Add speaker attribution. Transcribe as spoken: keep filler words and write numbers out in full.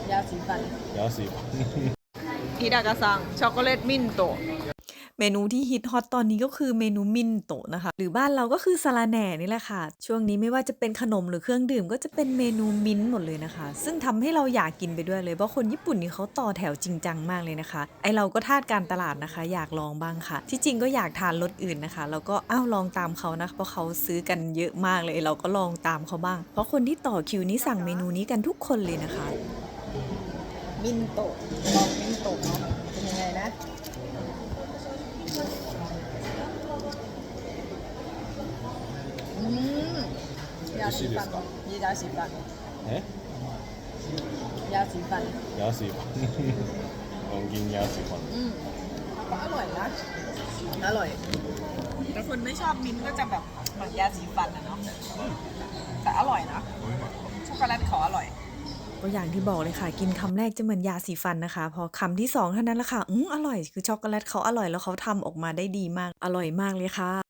Speaker 1: ยาสีฟัน
Speaker 2: ยาสีฟัน
Speaker 1: ฮิดากะซังช็อกโกแลตมินโตะ
Speaker 3: เมนูที่ฮิตฮอตตอนนี้ก็คือเมนูมินโตะนะคะหรือบ้านเราก็คือสาลาแหน่นี่แหละค่ะช่วงนี้ไม่ว่าจะเป็นขนมหรือเครื่องดื่มก็จะเป็นเมนูมิ้นท์หมดเลยนะคะซึ่งทำให้เราอยากกินไปด้วยเลยเพราะคนญี่ปุ่นนี่เขาต่อแถวจริงจังมากเลยนะคะไอเราก็ทาสการตลาดนะคะอยากลองบ้างค่ะที่จริงก็อยากทานรสอื่นนะคะแล้วก็อ้าวลองตามเขานะเพราะเขาซื้อกันเยอะมากเลยเราก็ลองตามเขาบ้างเพราะคนที่ต่อคิวนี้สั่งเมนูนี้กันทุกคนเลยนะคะ
Speaker 1: มินโตะลองมินโตะเนาะเป็นยังไงนะอืมยาสีฟันยียาสีฟัน
Speaker 2: え
Speaker 1: ยาสีฟัน
Speaker 2: ยาสีฟันลองกินยาสีฟัน
Speaker 1: อืมก็อร่อยนะอร่อยแต่คนไม่ชอบมิ้นท์ก็จะแบบเหมือนยาสีฟันนะเนาะแต่อร่อยนะช็อกโกแลตเขาอร่อย
Speaker 3: ก็อย่างที่บอกเลยค่ะกินคำแรกจะเหมือนยาสีฟันนะคะพอคำที่สองเท่านั้นแหละค่ะอืมอร่อยคือช็อกโกแลตเขาอร่อยแล้วเขาทำออกมาได้ดีมากอร่อยมากเลยค่ะ